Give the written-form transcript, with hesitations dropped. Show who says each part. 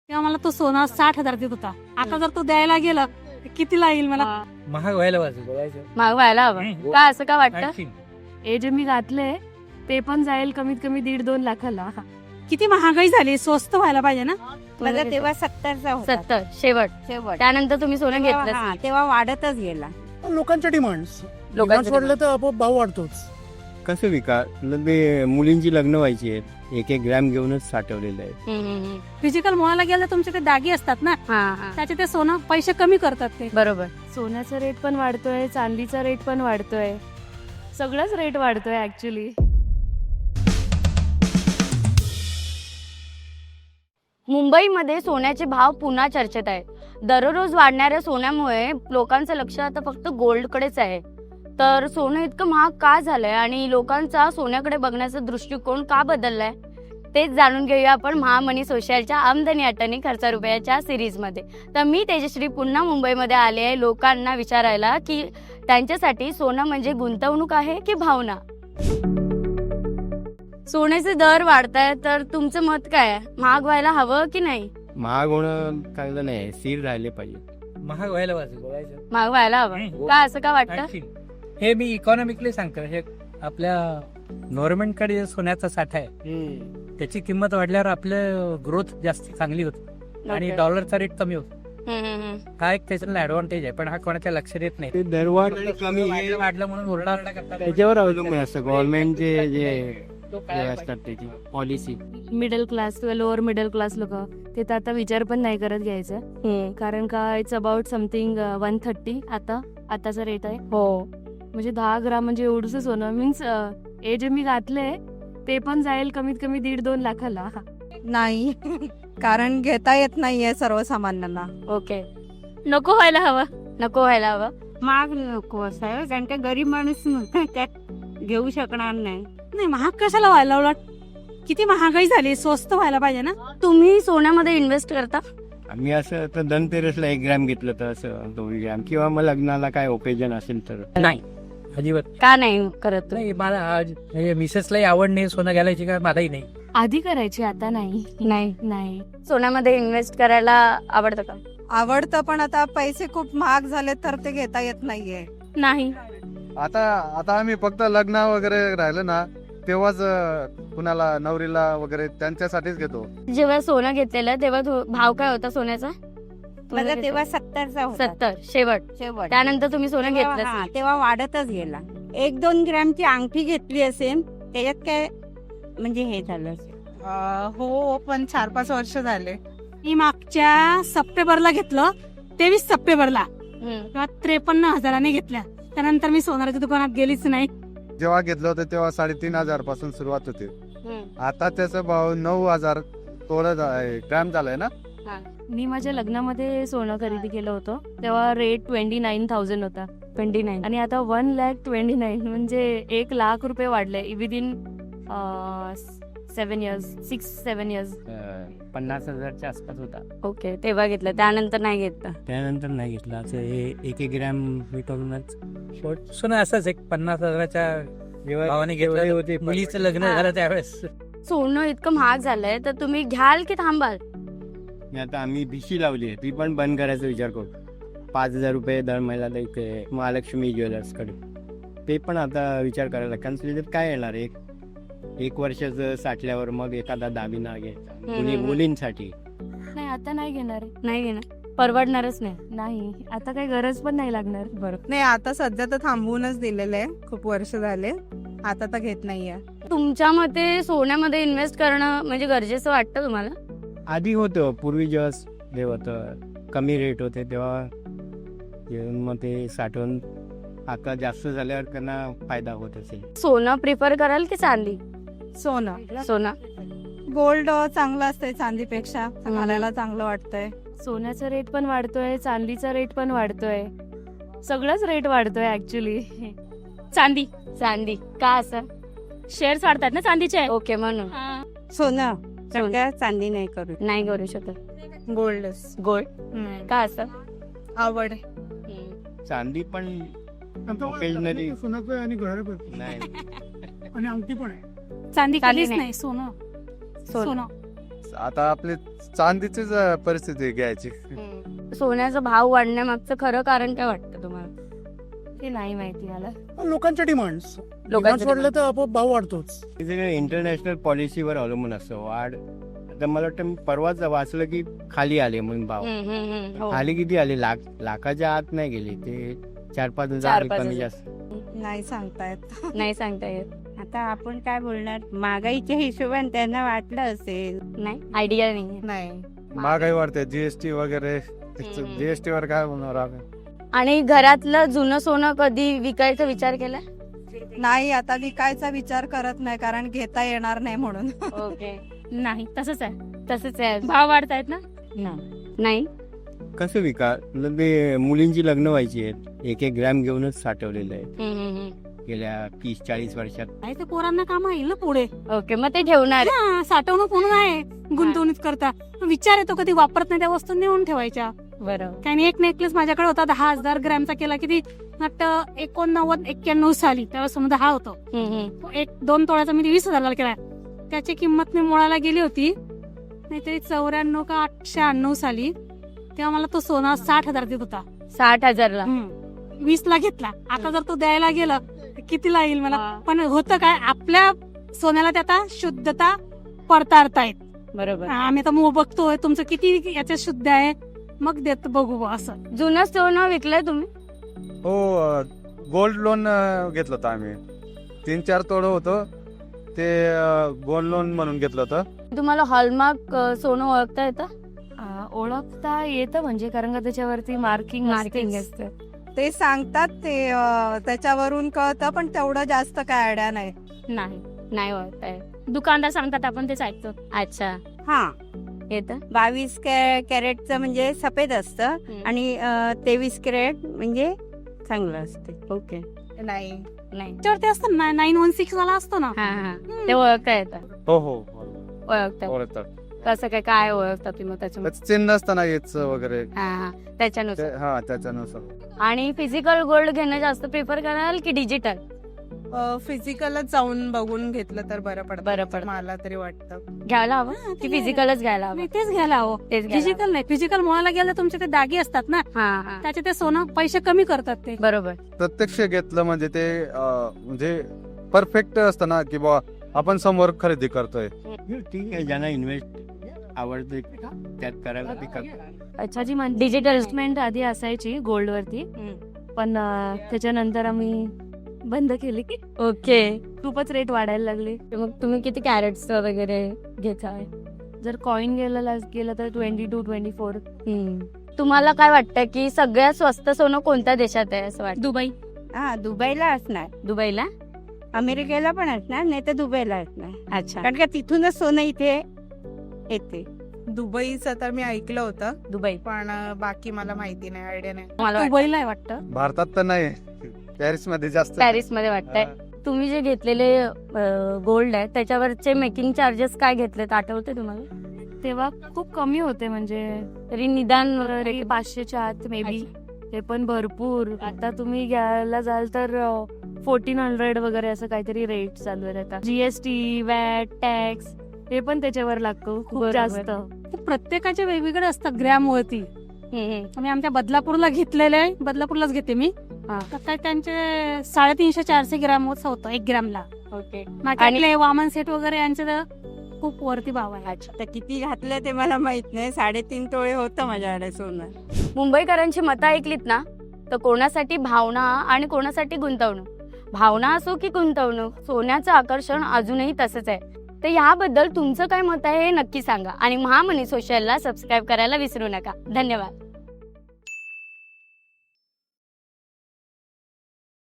Speaker 1: तेव्हा मला तो सोना 60,000 देत होता. आता जर तो द्यायला गेला तर कितीला येईल मला?
Speaker 2: महाग व्हायला पाहिजे.
Speaker 3: महाग व्हायला हवं
Speaker 2: हम्म.
Speaker 3: का असं का वाटतं?
Speaker 2: आणखीन.
Speaker 4: हे जे मी घातले ते पण जाईल कमीत कमी 1.5-2 लाखाला.
Speaker 1: किती महागाई झाली, स्वस्त व्हायला पाहिजे ना.
Speaker 5: माझा तेव्हा 70चा होता
Speaker 3: 70 शेवट.
Speaker 5: शेवट.
Speaker 3: त्यानंतर तुम्ही सोनं
Speaker 5: तेव्हा-
Speaker 3: घेतलं
Speaker 5: हा, तेव्हा वाढतच गेला.
Speaker 6: लोकांच्या डिमांड्स
Speaker 3: लोकांचे
Speaker 6: वाढलं तर आपोआप भाव वाढतोच.
Speaker 7: कसं विका ते मुलींची लग्न व्हायची आहेत, एक एक ग्रॅम घेऊनच साठवलेलं आहे.
Speaker 1: फिजिकल मॉलला गेलं तर तुमचे ते दागी असतात ना, त्याचे ते सोनं पैसे कमी करतात ते.
Speaker 3: बरोबर.
Speaker 4: सोन्याचा रेट पण वाढतोय, चांदीचा रेट पण वाढतोय, सगळंच रेट वाढतोय ऍक्च्युली.
Speaker 3: मुंबईमध्ये सोन्याचे भाव पुन्हा चर्चेत आहेत. दररोज वाढणाऱ्या सोन्यामुळे लोकांचं लक्ष आता फक्त गोल्डकडेच आहे. तर सोनं इतकं महाग का झालंय आणि लोकांचा सोन्याकडे बघण्याचा दृष्टिकोन का बदललाय तेच जाणून घेऊया आपण महामनी सोशलच्या आमदनी अटनी खर्चा रुपयाच्या सिरीजमध्ये. तर मी तेजश्री पुन्हा मुंबईमध्ये आले आहे लोकांना विचारायला की त्यांच्यासाठी सोनं म्हणजे गुंतवणूक आहे की भावना. सोन्याचे दर वाढतायत तर तुमचं मत काय आहे? महाग व्हायला हवं की नाही?
Speaker 7: महाग होणं चांगलं नाही, स्थिर राहिले पाहिजे.
Speaker 2: महाग व्हायला पाहिजे.
Speaker 3: महाग व्हायला हवं
Speaker 2: हम्म.
Speaker 3: का असं का वाटतं?
Speaker 2: आणखीन. हे मी इकॉनॉमिकली सांगतो. हे आपल्या गव्हर्नमेंटकडे सोन्याचा साठा आहे, त्याची किंमत वाढल्यावर आपलं ग्रोथ जास्त चांगली होते आणि
Speaker 3: Okay.
Speaker 2: डॉलरचा रेट कमी होतो.
Speaker 3: हम्म.
Speaker 2: हा एक त्याच्यातला ऍडव्हान्टेज आहे, पण हा कोणाच्या लक्षात येत नाही.
Speaker 7: ते दरवाढ कमी हे
Speaker 2: वाढलं म्हणून ओरडाओरडा करतात.
Speaker 7: त्याच्यावर अवलंबून असतं गव्हर्नमेंटचे जे असतात त्याची पॉलिसी.
Speaker 4: मिडल क्लास किंवा लोअर मिडल क्लास लोक ते तर आता विचार पण नाही करत घ्यायचं, कारण का इट्स अबाउट समथिंग 130 आताचा रेट आहे.
Speaker 3: हो.
Speaker 4: म्हणजे 10 ग्राम म्हणजे एवढंच सोनं मीन्स हे जे मी घातले ते पण जाईल कमीत कमी 1.5-2 लाखाला.
Speaker 5: नाही कारण घेता येत नाहीये सर्वसामान्यांना.
Speaker 3: ओके. नको व्हायला हवं. नको व्हायला हवं.
Speaker 5: महाग नको असं आहे, कारण का गरीब माणूस त्यात घेऊ शकणार नाही.
Speaker 1: नाही, महाग कशाला व्हायला? उलट किती महागाई झाली, स्वस्त व्हायला पाहिजे ना.
Speaker 3: तुम्ही सोन्यामध्ये इन्व्हेस्ट करता?
Speaker 7: आम्ही असं तर धनतेरसला 1 ग्रॅम घेतलं तर असं 2 ग्रॅम, किंवा मग लग्नाला काय ओकेजन असेल तर.
Speaker 2: नाही, अजिबात
Speaker 3: का नाही करत तू?
Speaker 2: नाही. मला आज मिसेसलाही आवड नाही सोनं घालायची, का मलाही नाही.
Speaker 4: आधी करायची, आता नाही.
Speaker 3: नाही. सोन्यामध्ये इन्व्हेस्ट करायला आवडतं का?
Speaker 5: आवडतं, पण आता पैसे खूप महाग झाले तर ते घेता येत नाहीये.
Speaker 3: नाही.
Speaker 8: आता आम्ही फक्त लग्न वगैरे राहिलं ना तेव्हाच कुणाला नवरीला वगैरे त्यांच्यासाठीच घेतो.
Speaker 3: जेव्हा सोनं घेतलेलं तेव्हा भाव काय होता सोन्याचा?
Speaker 5: माझा तेव्हा 70चा होता
Speaker 3: 70 शेवट.
Speaker 5: शेवट.
Speaker 3: त्यानंतर तुम्ही सोनं
Speaker 5: तेव्हा-
Speaker 3: घेतलं?
Speaker 5: हा, तेव्हा वाढतच गेला. 1-2 ग्रॅमची अंगठी घेतली असेल त्याच्यात काय म्हणजे हे झालं असेल.
Speaker 9: हो, पण 4-5 वर्ष झाले.
Speaker 1: मी मागच्या सप्टेंबरला घेतलं, 23 सप्टेंबरला
Speaker 3: हम्म.
Speaker 1: तेव्हा 53,000 घेतल्या. त्यानंतर मी सोनाराच्या दुकानात गेलीच नाही.
Speaker 8: जेव्हा घेतलं होतं तेव्हा 3,500 पासून सुरुवात होती.
Speaker 3: हम्म.
Speaker 8: आता त्याचा भाव 9,000 थोडं ग्रॅम झालाय ना.
Speaker 4: मी माझ्या लग्नामध्ये सोनं खरेदी केलं होतं तेव्हा रेट 29,000 होता. 29 आणि आता 1,29,000 म्हणजे 1 लाख रुपये वाढले विदिन 7 इयर्स 6-7 इयर्स.
Speaker 7: 50,000च्या आसपास होता.
Speaker 3: ओके. तेव्हा घेतलं, त्यानंतर नाही घेतलं.
Speaker 7: त्यानंतर नाही घेतलं. असं हे 1-1 ग्रॅम हे करूनच
Speaker 2: सोनं असंच एक 50,000च्या भावाने घेतलं होते. मुलीचं लग्न
Speaker 3: हा.
Speaker 2: झालं त्यावेळेस.
Speaker 3: सोनं इतकं महाग झालंय तर तुम्ही घ्याल की थांबाल?
Speaker 7: आता आम्ही भिशी लावली आहे, ती पण बंद करायचा विचार करू. 5,000 रुपये दर महिन्याला इथे महालक्ष्मी ज्वेलर्सकडे. ते पण आता विचार करायला, कारण त्याच्यात काय येणार, एक वर्षाचं साठल्यावर मग एखादा दागिना घ्यायचा मुलींसाठी.
Speaker 4: नाही, आता नाही घेणार.
Speaker 3: नाही घेणार, परवडणारच नाही.
Speaker 4: नाही, आता काही गरज पण नाही लागणार. बरोबर.
Speaker 9: नाही, आता सध्या तर थांबवूनच दिलेलं आहे. खूप वर्ष झाले, आता तर घेत नाहीये.
Speaker 3: तुमच्या मते सोन्यामध्ये इन्व्हेस्ट करणं म्हणजे गरजेचं वाटतं तुम्हाला?
Speaker 7: आधी होतं, पूर्वी जेव्हा हे होतं कमी रेट होते तेव्हा मग ते साठवून आता जास्त झाल्यावर त्यांना फायदा होत असेल.
Speaker 3: सोनं प्रिफर कराल की चांदी?
Speaker 5: सोनं.
Speaker 3: सोनं.
Speaker 5: गोल्ड चांगलं असतंय चांदीपेक्षा, घालायला चांगलं वाटतंय.
Speaker 4: सोन्याचा रेट पण वाढतोय, चांदीचा रेट पण वाढतोय, सगळंच रेट वाढतोय ऍक्च्युली.
Speaker 1: चांदी.
Speaker 3: चांदी का असं?
Speaker 1: शेअर्स वाढतात ना चांदीचे.
Speaker 3: ओके, म्हणून
Speaker 5: सोनं कारण का चांदी नाही करू.
Speaker 3: नाही करू शकत.
Speaker 9: गोल्डच.
Speaker 3: गोल्ड का असं?
Speaker 9: आवड.
Speaker 7: चांदी पण occasionally-
Speaker 6: सोनं आणि घड्याळ पण
Speaker 7: नाही.
Speaker 6: आणि अंगठी पण आहे.
Speaker 1: चांदी
Speaker 3: चांदी
Speaker 1: कधीच
Speaker 3: नाही.
Speaker 1: नाही, सोनं.
Speaker 3: सोनं.
Speaker 1: सोनं.
Speaker 8: आता आपले चांदीचीच परिस्थिती घ्यायची.
Speaker 3: सोन्याचा भाव वाढण्यामागचं खरं कारण काय वाटतं तुम्हाला?
Speaker 4: ते नाही माहिती मला.
Speaker 6: लोकांच्या डिमांड्स
Speaker 3: लोकांचं
Speaker 6: वाढलं तर आपोआप भाव वाढतोच.
Speaker 7: इंटरनॅशनल पॉलिसीवर अवलंबून असतं वाढ. आता मला वाटतं परवाच वाचलं की खाली आले म्हणून भाव.
Speaker 3: हो.
Speaker 7: खाली किती आले? लाखाच्या आत नाही गेले ते, 4-5 हजार
Speaker 3: 4-5
Speaker 7: कमी
Speaker 3: हजार.
Speaker 7: जास्त.
Speaker 9: नाही सांगता येत.
Speaker 3: नाही सांगता येत.
Speaker 5: आता आपण काय बोलणार, महागाईच्या हिशोबाने त्यांना वाटलं असेल.
Speaker 3: नाही आयडिया नाही.
Speaker 9: नाही.
Speaker 8: महागाई वाढते, जीएसटी वगैरे.
Speaker 3: हम्म.
Speaker 8: जीएसटी वर काय बोलणार आपण?
Speaker 3: आणि घरातलं जुनं सोनं कधी विकायचा विचार केला?
Speaker 9: नाही, आता विकायचा विचार करत नाही, कारण घेता येणार नाही म्हणून.
Speaker 3: ओके.
Speaker 1: नाही तसंच आहे,
Speaker 3: तसंच आहे.
Speaker 1: भाव वाढतायत ना.
Speaker 3: नाही
Speaker 7: कसं विका? ते मुलींची लग्न व्हायची आहेत, 1-1 ग्रॅम घेऊनच साठवलेलं आहे गेल्या 30-40 वर्षात.
Speaker 1: काय ते पोरांना काम येईल ना पुढे.
Speaker 3: ओके, मग ते ठेवणार.
Speaker 1: हा, साठवणूक म्हणून आहे, गुंतवणूक करता. विचार येतो कधी वापरत नाही त्या वस्तू नेऊन ठेवायच्या.
Speaker 3: बरोबर.
Speaker 1: काही एक नेकलेस माझ्याकडे होता 10,000 ग्रॅमचा, केला किती 89-91 साली, त्यावेळेस समजा हा होतो. 1-2 तोळ्याचा मी 20,000 केला. त्याची किंमत मी मोळाला गेली होती नाहीतरी 94 का 98 साली, तेव्हा मला तो सोना 60,000 देत होता.
Speaker 3: 60,000ला.
Speaker 1: 20ला घेतला. आता जर तो द्यायला गेला तर कितीला येईल मला? पण होतं काय, आपल्या सोन्याला ते आता शुद्धता पडताळतायत.
Speaker 3: बरोबर.
Speaker 1: आम्ही तर बघतोय तुमचं किती याच्यात शुद्ध आहे, मग देत बघू बुवा असं.
Speaker 3: जुनं सोनं विकलंय तुम्ही?
Speaker 8: हो, गोल्ड लोन घेतलं होतं आम्ही. 3-4 तोडं होतं ते, गोल्ड लोन म्हणून घेतलं होतं.
Speaker 3: तुम्हाला हॉलमार्क सोनं ओळखता येतं?
Speaker 4: ओळखता येतं म्हणजे, कारण का त्याच्यावरती मार्किंग
Speaker 3: असतं.
Speaker 9: ते सांगतात, ते त्याच्यावरून कळतं, पण तेवढं जास्त काय आयडिया नाही.
Speaker 3: नाही ओळखता येत.
Speaker 1: दुकानदार सांगतात, आपण तेच ऐकतो.
Speaker 3: अच्छा,
Speaker 5: हा,
Speaker 3: येतं.
Speaker 5: 22 कॅरेटचं म्हणजे सफेद असतं आणि 23 कॅरेट म्हणजे चांगलं असते.
Speaker 3: ओके.
Speaker 9: नाही.
Speaker 3: नाही.
Speaker 1: त्याच्यावरती असतं ना 916 वाला असतो ना.
Speaker 3: हा, ते ओळखता येतं.
Speaker 8: हो,
Speaker 3: ओळखता.
Speaker 8: ओळखतात.
Speaker 3: कसं काय ओळखता तुम्ही त्याच्यामध्ये?
Speaker 8: त्याचं चिन्ह असतं ना याचं वगैरे.
Speaker 3: त्याच्यानुसार.
Speaker 8: हा, त्याच्यानुसार.
Speaker 3: आणि फिजिकल गोल्ड घेणं जास्त प्रिफर कराल की डिजिटल?
Speaker 9: फिजिकलच जाऊन बघून घेतलं तर बरं पडतं मला तरी वाटतं.
Speaker 3: घ्यायला हवं की फिजिकलच घ्यायला हवं?
Speaker 1: नाही, तेच घ्यायला हवं.
Speaker 3: तेच घ्यायला
Speaker 1: फिजिकल नाही, फिजिकल मुळाला गेलं तुमचे ते दागे असतात ना,
Speaker 3: हवं.
Speaker 1: त्याचे ते सोनं पैसे कमी करतात ते.
Speaker 3: बरोबर.
Speaker 8: प्रत्यक्ष घेतलं म्हणजे ते म्हणजे परफेक्ट असतं ना, की बा आपण समोर खरेदी करतोय.
Speaker 7: ठीक आहे, ज्यांना इन्व्हेस्ट आवडते त्यात करायला ते करतात.
Speaker 4: अच्छा, जी डिजिटल
Speaker 3: डिजिटल.
Speaker 4: इन्व्हेस्टमेंट आधी असायची गोल्ड वरती, पण त्याच्यानंतर आम्ही बंद केली की
Speaker 3: ओके.
Speaker 4: खूपच रेट वाढायला लागले.
Speaker 3: मग तुम्ही किती कॅरेट्स वगैरे घेताय?
Speaker 4: जर कॉइन गेलं तर 22-24.
Speaker 3: तुम्हाला काय वाटतं की सगळ्यात स्वस्त सोनं कोणत्या देशात आहे असं वाटतं?
Speaker 1: दुबई.
Speaker 5: हा, दुबईला असणार,
Speaker 3: दुबईला.
Speaker 5: अमेरिकेला पण असणार, नाही तर दुबईला असणार.
Speaker 3: अच्छा.
Speaker 5: कारण का तिथूनच सोनं इथे येते.
Speaker 9: दुबईचं तर मी ऐकलं होतं,
Speaker 3: दुबई.
Speaker 9: पण बाकी मला माहिती नाही, आयडिया नाही.
Speaker 3: मला
Speaker 1: दुबईला आहे वाटतं.
Speaker 8: भारतात तर नाही, पॅरिस मध्ये जास्त.
Speaker 3: पॅरिस मध्ये वाटतंय. तुम्ही जे घेतलेले गोल्ड आहे त्याच्यावरचे मेकिंग चार्जेस काय घेतलेत आठवते तुम्हाला?
Speaker 4: तेव्हा खूप कमी होते, म्हणजे
Speaker 3: तरी निदान
Speaker 4: 500च्या आत मे बी. ते पण भरपूर. आता तुम्ही घ्यायला जाल तर 1400 वगैरे असं काहीतरी रेट चालू आहे आता. जीएसटी, वॅट, टॅक्स हे पण त्याच्यावर लागतो खूप
Speaker 3: बरोबर.
Speaker 4: जास्त.
Speaker 1: ते प्रत्येकाचे वेगवेगळे असतात ग्रॅम वरती. मी आमच्या बदलापूरला घेतलेले आहे, बदलापूरलाच घेते मी. तर काय त्यांचे 350-400 ग्रॅम होतं 1 ग्रॅमला.
Speaker 3: ओके.
Speaker 1: आणि वामन सेट वगैरे यांचे तर खूप वरती भाव आहे.
Speaker 5: तर किती घातलं ते मला माहित नाही. 3.5 तोळे होतं माझ्याकडे सोनं.
Speaker 3: मुंबईकरांची मतं ऐकलीत ना, तर कोणासाठी भावना आणि कोणासाठी गुंतवणूक. भावना असो की गुंतवणूक, सोन्याचं आकर्षण अजूनही तसंच आहे. तर याबद्दल तुमचं काय मत आहे हे नक्की सांगा आणि महामनी सोशलला सबस्क्राईब करायला विसरू नका. धन्यवाद.